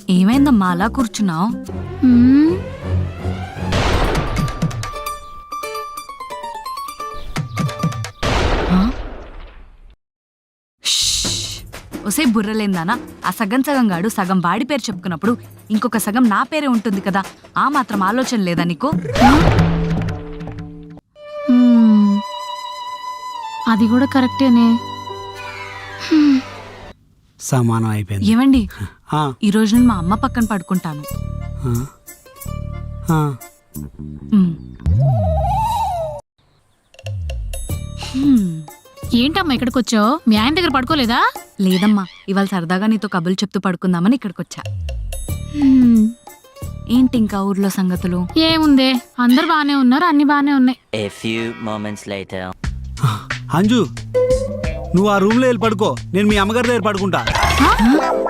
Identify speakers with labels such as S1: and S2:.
S1: ఏమైందమ్మా అలా కూర్చున్నావు? ఒసే బుర్రలేందానా, ఆ సగం సగం గాడు సగం వాడి పేరు చెప్పుకున్నప్పుడు ఇంకొక సగం నా పేరే ఉంటుంది కదా, ఆ మాత్రం ఆలోచన లేదా నీకు?
S2: అది కూడా కరెక్టేనే.
S3: సమానం అయిపోయింది.
S1: ఏమండి,
S3: ఆ,
S1: ఈ రోజు నేను మా అమ్మ పక్కన పడుకుంటాను.
S3: ఆ, ఆ.
S1: ఉమ్.
S2: ఏంటమ్మా ఇక్కడికి వచ్చావు? మీ ఆయన దగ్గర పడుకోలేదా?
S1: లేదమ్మా, ఇవాళ సరదాగా నీతో కబుర్లు చెప్తూ పడుకుందామని ఇక్కడికొచ్చా.
S2: హ్మ్,
S1: ఏంటి ఇంకా ఊర్లో సంగతులు?
S2: ఏముందే, అందరు బానే ఉన్నారు, అన్ని బానే ఉన్నాయి.
S4: A few moments later.
S3: Anju, నువ్వు ఆ రూమ్లో వెళ్ళి పడుకో, నేను మీ అమ్మగారి దగ్గర పడుకుంటా.
S2: హ?